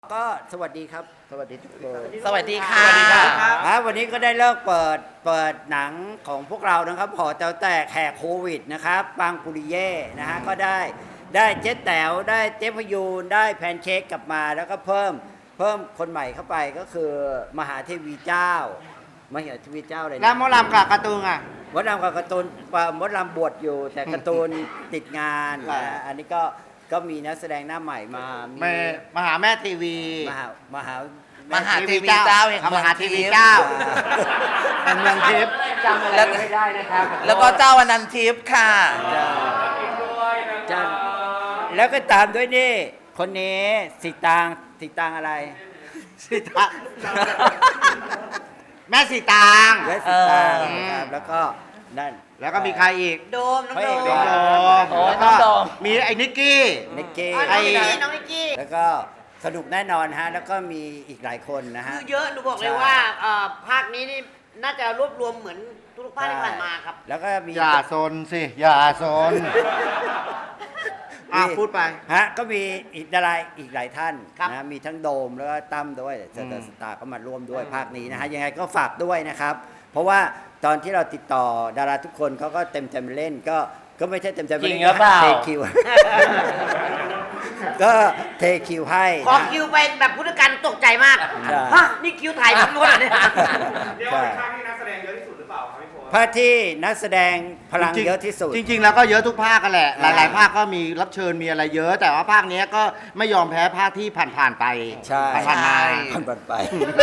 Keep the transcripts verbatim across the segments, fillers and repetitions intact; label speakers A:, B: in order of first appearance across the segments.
A: ก็สวัสดีครับสวัสดีทุกคน
B: สวัสดีค่ะ
A: สวัสดีครับครับวันนี้ก็ได้เลิกเปิดเปิดหนังของพวกเรานะครับหอแต๋วแตกแขกโควิดนะครับปางปุริเย่นะฮะก็ได้ได้เจ๊แต๋วได้เจ๊พยูนได้แพนเค้กกลับมาแล้วก็เพิ่มเพิ่มคนใหม่เข้าไปก็คือมหาเทวีเจ้ามหาเทวีเจ้าอะไรนะ
C: แล้วมอลำกับการ์ตูนอ่ะ
A: มดลำกับการ์ตูนมดลำบวชอยู่แต่การ์ตูนติดงานนะอันนี้ก็ก็มีนักแสดงหน้าใหม่มามี
C: แม่มหาแม่ทีวี
A: มหามหาม
B: หาเทวีเจ้าแห่ง
C: ม
B: เมือง
C: หาที
B: ทิ
C: วี
B: พย์
C: เจ้าแห่งเมืองทิพย์
A: จำอะไรไม่ได้นะครับ
B: แล้วก็เจ้าอนันทิพย์ค่ะ
A: จำแล้วก็ตามด้วยนี่ คนนี้สิตางสิตางอะไร
C: สิตางแม่สีตาง
A: และสิตาง
C: เออ
A: นะครับแล้วก็นั่น
C: แล้วก็มีใครอีก
D: โดมน้อง
A: พระ
D: โด
A: เอก
D: ม
A: โด
C: น้อง
A: ม
C: โดม
B: โอ้ย
C: แล้ว
B: น้
C: ก็
B: องโดม
C: มีไอ้นิกกี้
A: นิกกี้
D: อ๋อน้องนิกกี้น้องนิกกี้
A: แล้วก็สนุกแน่นอนฮะแล้วก็มีอีกหลายคนนะฮะ
D: คือเยอะหนูบอกเลย
A: ใช่
D: ว่าเอ่อภาคนี้นี่น่าจะรวบรวมเหมือนทุกๆภาคที่ผ่านมาครับ
A: แล้วก็มี
C: อย่าโซนสิ อย่าโซนอ่ะพูดไป
A: ฮะก็มีอีกดาราอีกหลายท่าน
D: ครับ
A: นะมีทั้งโดมแล้วก็ตั้มด้วยสตาร์สตาร์ก็มาร่วมด้วยภาคนี้นะฮะยังไงก็ฝากด้วยนะครับ เพราะว่าตอนที่เราติดต่อดาราทุกคนเขาก็เต็มใจมาเล่นก็ก็ไม่ใช่เต็มใจมา
B: จริ
A: เล่
B: ง
A: น
B: หรือเปล่า
A: เทคิว ก็เทคิวให้
D: ขอ
A: นะ
D: คิวไปแบบพุทธการตกใจมาก
A: ใช่
D: ฮะนี่คิวถ่ายทั้งหมดเหรอเนี่ย
E: เรียกว่าเป็นภาคที่นักแสดงเยอะที่สุดหรือเปล่าครับพี่โพส
A: ภาคที่นักแสดงพลัง
C: จริงๆ
A: เยอะที่สุด
C: จริง ๆ แล้วก็เยอะทุกภาคกันแหละ ห
A: อ่า
C: ลาย ๆ ภาคก็มีรับเชิญมีอะไรเยอะ แต่ว่าภาคเนี้ยก็ไม่ยอมแพ้ภาคที่ผ่านๆไป
A: ใช่
C: ผ่านๆมา
A: ผ่านๆไป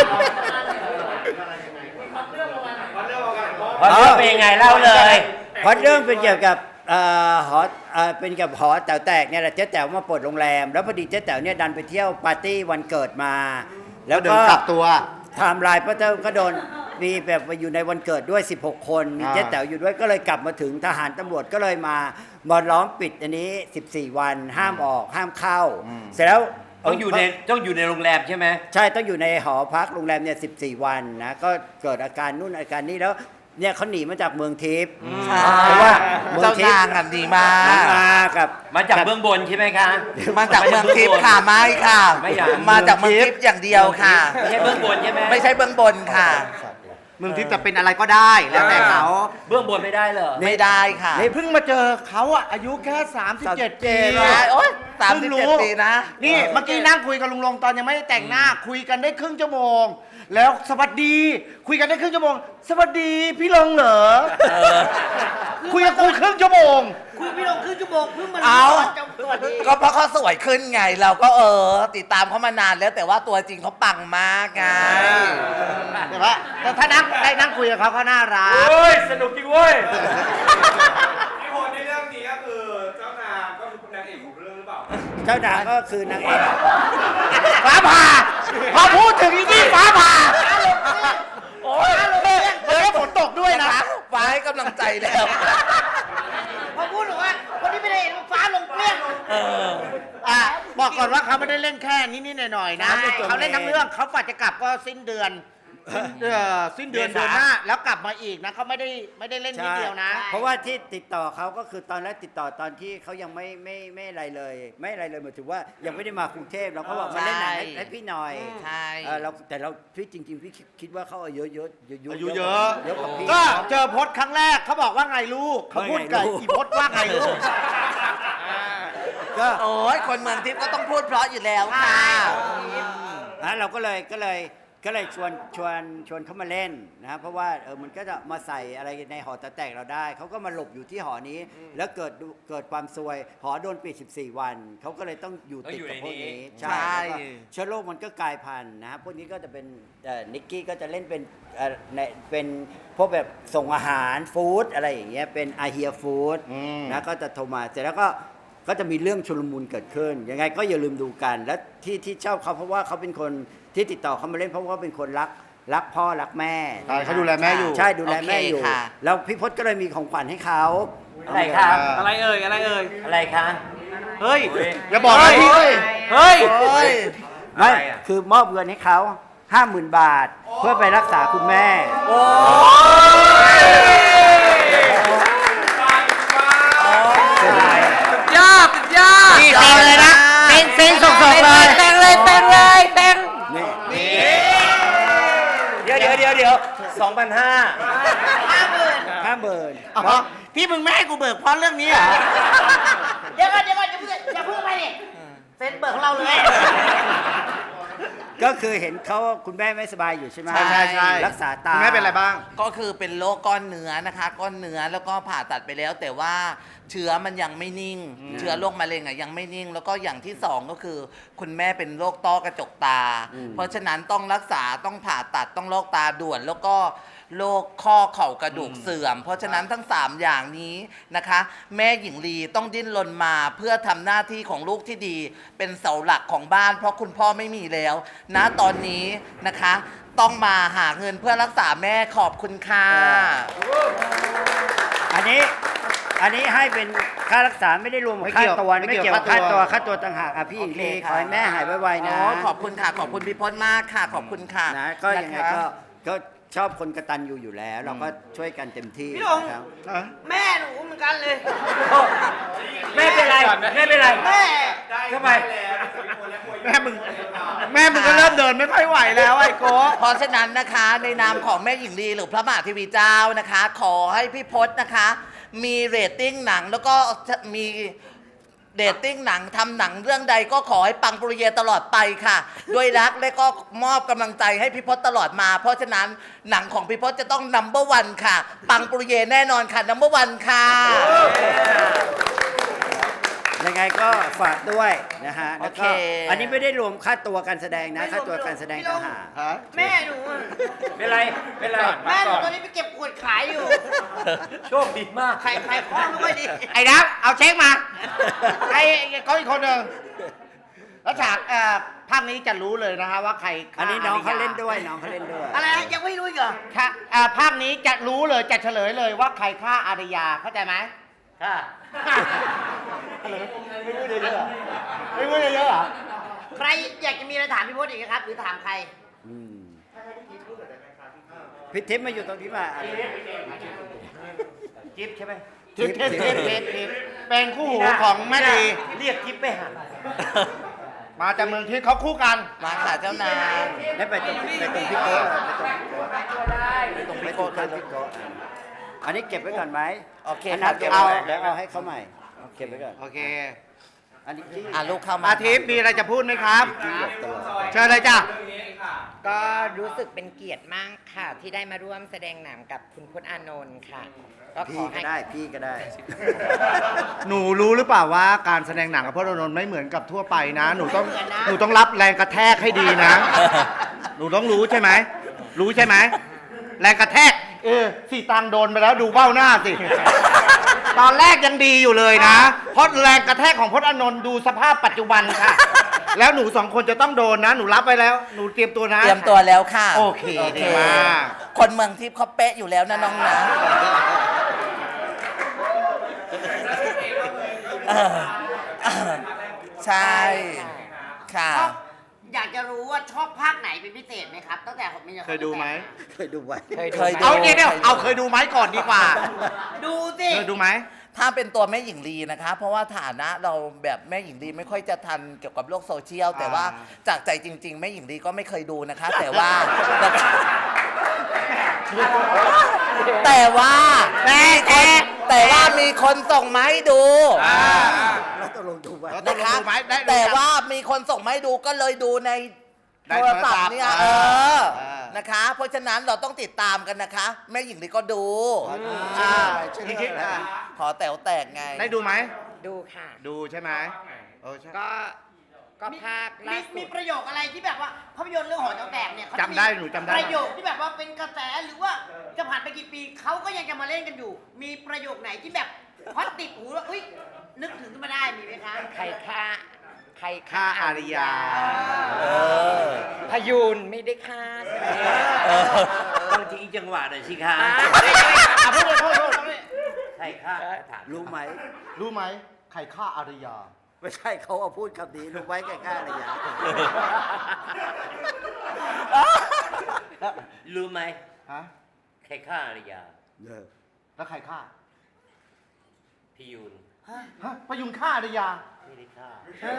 E: วันเรื่องว่ากันเพราะ
B: เพราะเรื่องเป็นยังไงเล่าเลย
A: เพราะเรื่องเป็นเกี่ยวกับเอ่อหอเอ่อเป็นเกี่ยวกับหอแต๋วแตกเนี่ยแหละเจ๊แต๋วมาเปิดโรงแรม แล้วพอดีเจ๊แต๋วเนี่ยดันไปเที่ยวปาร์ตี้วันเกิดมา แล้ว
C: เดิ
A: ก็
C: นกลับตัว
A: ไทม์ไลน์ป้าเต้าก็โดนมีแบบมาอยู่ในวันเกิดด้วยสิบหกคนมี
C: อ่า
A: เจ๊แต๋วอยู่ด้วยก็เลยกลับมาถึงทหารตำรวจก็เลยมามาล้อมปิดอันนี้สิบสี่วันห้ามออกห้ามเข้า เสร็จแล้ว
F: ต้องอยู่ในต้องอยู่ในโรงแรมใช่ไหม
A: ใช่ต้องอยู่ในหอพักโรงแรมเนี่ยสิบสี่วันนะก็เกิดอาการนู่นอาการนี้แล้วเนี่ยเขาหนีมาจากเมืองทิพย์
B: ใช่
A: เพราะว่าเมือง
B: เจ้า
A: ทิพ
B: นาง
A: ย์
B: กันดีมา
A: น้อง
B: ก
A: มากับ
F: มาจากเบื้องบนใช่ไหมคะ
B: มาจากเมืองทิพย์ค่ะไม่ค่ะ
F: ไม่อยาก
B: มาจากเมืองทิพย์อย่างเดียวค่ะ
F: ไม่ใช่เบื้องบนใช่ไหม
B: ไม่ใช่เบื้องบนค่ะ
C: เมืองทิพย์จะเป็นอะไรก็ได้ แล้วแต่เขา
F: เบื้องบนไม่ได้เหรอ
B: ไม่ได้ค่ะ
C: เพิ่งมาเจอเขาอะอายุแค่สามสิบเจ็ดปี
B: ใช่โอ๊ยสามสิบเจ็ดปีนะ
C: นี่เมื่อกี้นั่งคุยกับลุงลงตอนยังไม่ได้แต่งหน้า คุยกันได้ครึ่งชั่วโมง แล้วสวัสดี คุยกันได้ครึ่งชั่วโมง สวัสดีพี่ลงเหรอ
B: เออ
C: คุยกับกูครึ่งชั่วโมง
D: คุยพี่ลงครึ่งชั่วโมงเพิ่งมา
B: เอา
D: จะสวัสดี
B: ก็เพราะเขาสวยขึ้นไง เราก็เออ ติดตามเขามานานแล้วแต่ว่าตัวจริงเขาปังมากไง
C: แต่ว่าแต่ถ้านั่งได้นั่งคุยกับเขาเขาน่ารัก
F: เฮ้ย สนุกจริงเว้ย
E: พี่โพสในเรื่องนี้ก็คือเจ้านางก็คือนางเอกของเรื่องหรือเปล่า
A: เจ้านางก็คือนางเอก
C: ฟ้าผ่า พอพูดถึงอีนี่ฟ้าผ่า โอ้ยแล้วฝนตกด้วยนะ
B: ฟ้าให้กำลังใจแล้ว
D: พอพูดบอกว่าคนที่ไม่ได้เห็นฟ้าลงเปรี้ยง
B: เออ
C: อ่ะบอกก่อนว่าเขาไม่ได้เล่นแค่นิดๆหน่อยๆนะ
A: ใช่
C: เขาเล่นทั้งเรื่องเขาฝันจะกลับก็สิ้นเดือนสิ้นเดือนสิ้นเดือน
F: เมษา
C: เดือนหน้าแล้วกลับมาอีกนะเขาไม่ได้ไม่ได้เล่นนิดเดียวนะ
A: เพราะว่าที่ติดต่อเขาก็คือตอนแรกติดต่อตอนที่เขายังไม่ไม่ไม่อะไรเลย ไม่อะไรเลยหมายถึงว่ายังไม่ได้มากรุงเทพเราก็บอกมาเล่นหนังให้
B: ใช่
A: ให้พี่หน่อย
B: ใช่
A: เออเราแต่เราพี่จริง ๆ พี่คิดคิดว่าเขาอายุเยอะเยอะ
C: อายุเยอะ
A: เยอะกว่าพี่
C: ก็เจอพจน์ครั้งแรกเขาบอกว่าไงลูกเขาพูดกับ
A: ว่าไงลูก
C: อีพจน์ว่าไงลูก
A: ก็
B: โอ้ยคนเมืองทิพย์ก็ต้องพูดเพราะอยู่แล้วค่ะ
A: นะเราก็เลยก็เลยก็เลยชวนชวนชวนเขามาเล่นนะเพราะว่าเออมันก็จะมาใส่อะไรในหอแต๋วแตกเราได้เขาก็มาหลบอยู่ที่หอนี้ แล้วเกิดดูเกิดความซวยหอโดนปิดสิบสี่วันเขาก็เลยต้องอยู่ติดกับพวกนี้
B: ใช่
A: แล้วก็เชื้อโรคมันก็กลายพันธุ์นะฮะพวกนี้ก็จะเป็นเอ่อนิกกี้ก็จะเล่นเป็นเอ่อในเป็นพวกแบบส่งอาหารฟู้ดอะไรอย่างเงี้ยเป็นอาเฮียฟู้ด
C: อืม
A: นะก็จะโทรมาเสร็จแล้วก็ก็จะมีเรื่องชุลมุนเกิดขึ้นยังไงก็อย่าลืมดูกัน และที่ที่ชอบเขาเพราะว่าเขาเป็นคนที่ติดต่อเขามาเล่นเพราะว่าเป็นคนรักรักพ่อรักแม่
C: ใช่เขาดูแลแม่อยู่
A: ใช่ดูแลแม่อยู่
B: โอเคค่ะ
A: แล้วพี่พจน์ก็เลยมีของขวัญให้เขา
F: อะไรคะ
E: อะไรเอ่ยอะไรเอ่ย
F: อะไรคะ
E: เฮ้ย
C: อย่าบอกนะพี่
E: เฮ้ย
B: โอ้ย
A: ไม่
F: อะไรอ่ะ
A: คือมอบเงินให้เขาห้าหมื่นบาท เพื่อไปรักษาคุณแม่
B: โอ้ย
F: ยอดยอด
C: นี่เซ็งเลยนะเซ็งเซ็งสดๆเลย
B: เซ็งเลยเลยแต่งเลยแต่ง
A: นี่
F: เดี๋ยวเดี๋ยวเดี๋ยวเดี๋ยวสองพันห้า
D: ห้าหมื่น
A: ห้าหมื่น
C: อ๋อที่มึงไม่ให้กูเบิกเพราะเรื่องนี้เหรอ
D: เดี๋ยวก่อนเดี๋ยวก่อนอย่าเพิ่งอย่าเพิ่งไปดิเซ็นเบิกของเราเลย
A: ก็คือเห็นเขาคุณแม่ไม่สบายอยู่ใช่ไหม
C: ใช่ใช่ใช่
A: รักษาตา
C: คุณแม่เป็นอะไรบ้าง
B: ก็คือเป็นโรคก้อนเนื้อนะคะ ก้อนเนื้อแล้วก็ผ่าตัดไปแล้ว แต่ว่าเชื้อมันยังไม่นิ่ง เชื้อโรคมะเร็งอ่ะยังไม่นิ่ง แล้วก็อย่างที่สองก็คือ คุณแม่เป็นโรคต้อกระจกตา เพราะฉะนั้นต้องรักษาต้องผ่าตัดต้องโรคตาด่วน แล้วก็โรคข้อเข่ากระดูกเสื่อม เพราะฉะนั้นทั้งสามอย่างนี้นะคะ แม่หญิงลีต้องดิ้นรนมาเพื่อทำหน้าที่ของลูกที่ดี เป็นเสาหลักของบ้าน เพราะคุณพ่อไม่มีแล้วณตอนนี้นะคะ ต้องมาหาเงินเพื่อรักษาแม่ขอบคุณค่ะ
A: อันนี้อันนี้ให้เป็นค่ารักษาไม่ได้รวมกับ
C: ไม่
A: ค่า
C: เกี่ยว
A: ตัว
C: ไม่
A: ไม่
C: เกี่
A: เกี่
C: ย
A: ยว วกับค่า
C: ค่าตั
A: ตัว
C: ว
A: ค่าตัวต่างหากอ่ะพี่หญิงลี
B: โอเค
A: ขอให้แม่หายไวๆนะ
B: อ๋อขอบคุณค่ะ ขอบคุณพี่พจน์มากค่ะ ขอบคุณค่ะ
A: นะก็ยังไง
B: นะคะ
A: ก็ก็ชอบคนกตัญญูอยู่แล้ว เราก็ช่วยกันเต็มที่
D: พี่ลง
A: นะครับ
D: แม่หนูเหมือนกันเลย
F: แม่เป็นไรแม่เป็นไร
D: แม่
F: ทำไม
C: แม่มึง แม่มึงก็เริ่มเดินไม่ค่อยไหวแล้วไอ้โก้
B: เพราะฉะนั้นนะคะในนามของแม่หญิงลีหรือพระมหาเทวีเจ้านะคะ ขอให้พี่พจน์นะคะ มีเรตติ้งหนังแล้วก็มีเรตติ้งหนังทำหนังเรื่องใดก็ขอให้ปังปรุเยตลอดไปค่ะ ด้วยรักและก็มอบกำลังใจให้พี่พจน์ตลอดมา เพราะฉะนั้นหนังของพี่พจน์จะต้องนัมเบอร์วันค่ะ ปังปรุเยแน่นอนค่ะนัมเบอร์วันค่ะ
A: ยังไงก็ฝากด้วยนะฮะแล้วก็
B: โอเค
A: อันนี้ไม่ได้รวมค่าตัวการแสดงนะค่าตัวการแสดงต่างหาก
D: แม่หนูอะ
F: เป็นไรเป็นไร
D: แม่หนูตอนนี้ไปเก็บขวดขายอยู่
F: โชคดีมาก
D: ขายขายของไม่ค่อยดี
C: ไอ้นับเอาเช็คมา ไอ้เขาอีกคนหนึ่งแล้วฉากเอ่อภาคนี้จะรู้เลยนะฮะว่าใครฆ่
A: อันนี้น้องเขา
C: ริย
A: เล่นด้วยน้องเขาเล่นด้วย
D: อะไรนะยังไม่รู้อีกเหรอ
C: ค่ะเอ่อภาคนี้จะรู้เลยจะเฉลยเลยว่าใครฆ่าอารยาเข้าใจไหม
F: ค่ะ
C: ไม่พูดเยอะเหรอไม่พูดเยอะเหรอ
D: ใครอยากจะมีอะไรถามพี่พจน์อีกนะครับ หรือถามใคร
A: อืมพี่ทิพย์มาอยู่ตรงนี้มาอ่ะ
F: จิ๊บใช่ไหม
C: ทิปทิปทิปทิปทิปเป็นคู่หูของแม่ดี
F: เรียกจิ๊บไปหา
C: มาจากเมืองทิพย์เขาคู่กัน
B: มาค่ะเจ้านาย
A: ได้ไปตรงไปตรงพี่โก้ไปตรงพี่โก้ไปตรงพี่โก้ท่านพี่โก้อันนี้เก็บไว้ก่อนไหม
B: โอเค
A: อัน
B: ค่ะ
A: นั้น
B: เก็บ
A: เอา
B: ไว้
A: แล้วเอาให้เขาใหม่เอาเก็บไว้ก่อน
C: โอเค
A: อันนี้ที่
B: อ่ะลูกเข้ามา
C: อาทิตย์มีอะไรจะพูดไหมครับ เชิญเลยจ้ะ
G: ก็รู้สึกเป็นเกียรติมากค่ะ ที่ได้มาร่วมแสดงหนังกับคุณพจน์อานนท์ค่ะ ก็ข
A: พี่
G: อ
A: ก็
G: ให้
A: ได้พี่ก็ได้
C: หนูรู้หรือเปล่าว่าการแสดงหนังกับพจน์อานนท์ไม่เหมือนกับทั่วไปนะ หนูต้องหนูต้องรับแรงกระแทกให้ดีนะ หนูต้องรู้ใช่ไหม รู้ใช่ไหม แรงกระแทก เออสี่ตังค์โดนไปแล้วดูเบ้าหน้าสิ ตอนแรกยังดีอยู่เลยนะ เพราะแรงกระแทกของพจน์อานนท์ดูสภาพปัจจุบันค่ะ แล้วหนูสองคนจะต้องโดนนะ หนูรับไปแล้ว หนูเตรียมตัวนะ
B: เตรียมตัวแล้วค่ะ
C: โอเคดีมาก
B: คนเมืองทิพย์เขาเป๊ะอยู่แล้วนะน้องนะเออเออใช่ ค่ะ
D: ชอบอยากจะรู้ว่าชอบภาคไหนเป็นพิเศษไหมครับ ตั้งแต่ผมมี
C: เคยดูไหม
A: เคยดูไว้
G: เคยดู
B: เคยดู
C: เอาเนี่ยเดี๋ยวเอาเคยดูไหมก่อนดีกว่า
D: ดูสิ
C: เคยดูไหม
B: ถ้าเป็นตัวแม่หญิงลีนะคะ เพราะว่าฐานะเราแบบแม่หญิงลีไม่ค่อยจะทันเกี่ยวกับโลกโซเชียล แต่ว่าจากใจจริง ๆ แม่หญิงลีก็ไม่เคยดูนะคะ แต่ว่า แต่ว่าแต่แต่แต่ว่ามีคนส่งมาให้ดู
A: แล้วตกลงดูไว้
C: แล้ว
B: นะคะ
C: ดูไหมได้ดู
B: แต่ว่ามีคนส่งมาให้ดูก็เลยดูใน
C: ได้
B: โทรศัพท์เนี่ย
C: โทรศัพท์
B: เออ
C: อ่า
B: นะคะ เพราะฉะนั้นเราต้องติดตามกันนะคะ แม่หญิงลีก็ดู
C: อ่า
A: ชื่อ
C: พี่
A: เรื่
C: คิ
A: อ
C: ด
A: งอะไร
C: อ่ะ
B: ขอแต๋วแตกไง
C: ได้ดูไหม
G: ดูค่ะ
C: ดูใช่ไหมเออใช่
G: ก็ก็ภาค
D: มี
G: ล่าสุ
D: มี
G: ด
D: ประโยคอะไรที่แบบว่าภาพยนตร์เรื่องหอแต๋วแตกเนี่ยเขาะ
C: จำได้
D: มี
C: หนูจำได้
D: ประโยคที่แบบว่าเป็นกระแสหรือว่าจะผ่านไปกี่ปีเขาก็ยังจะมาเล่นกันอยู่ มีประโยคไหนที่แบบฮอตติดหูแล้วอุ้ยนึกถึงขึ้นมาได้มีไหมคะ
G: ใครฆ่าใคร
C: ฆ่าอารยา
B: เออ
G: พยูนไม่ได้ฆ่าใช่ไหม
F: ต้องทิ้งจังหวะหน่อยสิคะ
G: อ่า
C: อ่ะพูดเลยพูดพูด
F: ใช่ค่ะถาม
A: รู้ไหม
C: รู้ไหมใครฆ่าอารยา
A: ไม่ใช่เขาเอาพูดคำนี้รู้ไว้แก่กล้าอะไรอย่าง
F: รู้ไหม
C: ฮะ
F: ใครฆ่าอารยา
A: เออ
C: แล้วใครฆ่า
F: พี่ยูน
C: ฮะพยุงฆ่าได้ยา
F: ไม่ได้ฆ่า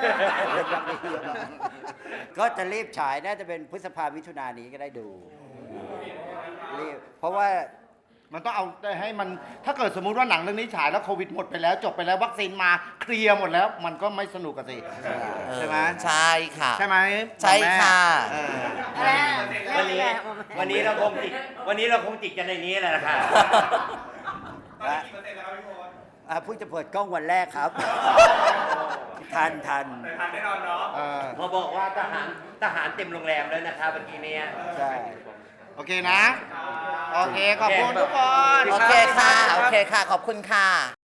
A: ก็จะรีบฉายน่าจะเป็นพฤษภามิถุนายนนี้ก็ได้ดูรีบเพราะว่า
C: มันต้องเอาให้มันถ้าเกิดสมมุติว่าหนังเรื่องนี้ฉายแล้วโควิดหมดไปแล้วจบไปแล้ววัคซีนมาเคลียร์หมดแล้ว มันก็ไม่สนุกกันสิใช่ไหม
B: ใช่ค่ะ
C: ใช่ไหม
B: ใช่ค่ะ
C: เออ
F: วันนี้วันนี้เราคงจิกวันนี้เราคงจิกกันในนี้แหละค่ะ
E: ตอนนี้กี่เปอร์เซ็นต์แล้วครับพี่พล
A: อ่าเพิ่งจะเปิดกล้องวันแรกครับ ทันทัน
E: แต่ทันแน่นอนเนาะ
C: เออ
F: พอบอกว่าทหารทหารเต็มโรงแรมแล้วนะคะเมื่อกี้เนี้ย
A: ใช่
C: โอเคนะ โอเค ขอบคุณทุกคน
B: โอเคค่ะ โอเคค่ะ ขอบคุณค่ะ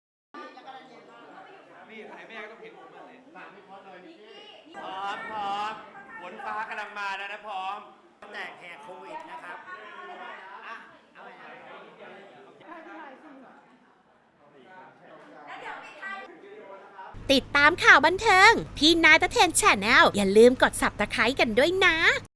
F: พร้อมพร้อมฝนฟ้ากำลังมาแล้วนะพร้อม
A: แต่แหกโควิดนะครับ
H: ติดตามข่าวบันเทิง พี่นายตะเทนแชนแนลอย่าลืมกด ซับสไครบ์ กันด้วยนะ